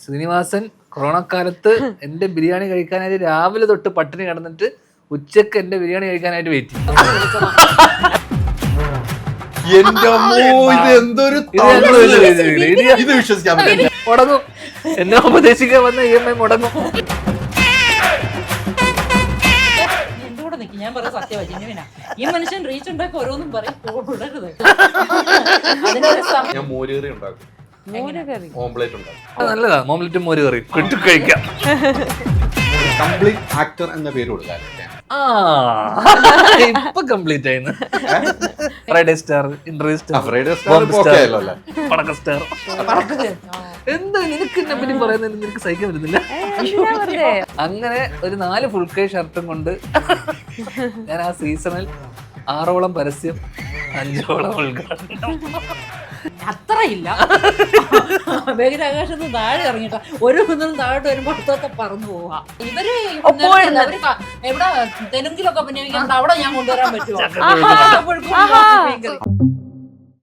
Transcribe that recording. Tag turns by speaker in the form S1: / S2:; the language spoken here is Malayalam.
S1: ശ്രീനിവാസൻ കൊറോണ കാലത്ത് എന്റെ ബിരിയാണി കഴിക്കാനായിട്ട് രാവിലെ തൊട്ട് പട്ടിണി കിടന്നിട്ട് ഉച്ചക്ക് എന്റെ ബിരിയാണി കഴിക്കാനായിട്ട് വെയിറ്റ് ചെയ്യും.
S2: ഇത് വിശ്വസിക്കാൻ പറ്റില്ല.
S1: മുടങ്ങും. എന്നെ ഉപദേശിക്കാൻ വന്ന EMI മുടങ്ങും.
S3: ഞാൻ പറയാം സത്യവാ, ഈ മനുഷ്യൻ റീച്ച് ഉണ്ടാക്കി ഓരോന്നും പറയും.
S2: ഞാൻ മോരുകറി ഉണ്ടാക്കും, ഓംപ്ലേറ്റ് ഉണ്ടാക്കും.
S1: നല്ലതാ, ഓംലെറ്റും മോര് കറി കിട്ടു കഴിക്കാം.
S2: കംപ്ലീറ്റ് ആക്ടർ എന്ന പേര് കൊടുക്കാൻ
S1: ഇപ്പൊ കംപ്ലീറ്റ് ആയിരുന്നു. ഫ്രൈഡേ സ്റ്റാർ, ഇന്റർവ്യൂ സ്റ്റാർ, പടക്ക സ്റ്റാർ. എന്താ നിനക്ക് എന്നെ പറ്റി പറയുന്നതിന് നിനക്ക് സഹിക്കാൻ പറ്റുന്നില്ല? അങ്ങനെ ഒരു 4 ഫുൾ കൈ ഷർട്ടും കൊണ്ട് ഞാൻ ആ സീസണിൽ 6ഓളം പരസ്യം, 5ഓളം ഉദ്ഘാടനം.
S3: അത്രയില്ല. ബഹിരാകാശത്ത് താഴെ ഇറങ്ങിട്ട ഒരു കുന്നിനും താഴോട്ട് വരുമ്പോ അടുത്തൊക്കെ പറന്നു പോവാ. ഇവര് എവിടെ തെലുങ്കിലൊക്കെ അഭിനയിക്കുന്നുണ്ട്, അവിടെ ഞാൻ കൊണ്ടുവരാൻ പറ്റുമോ?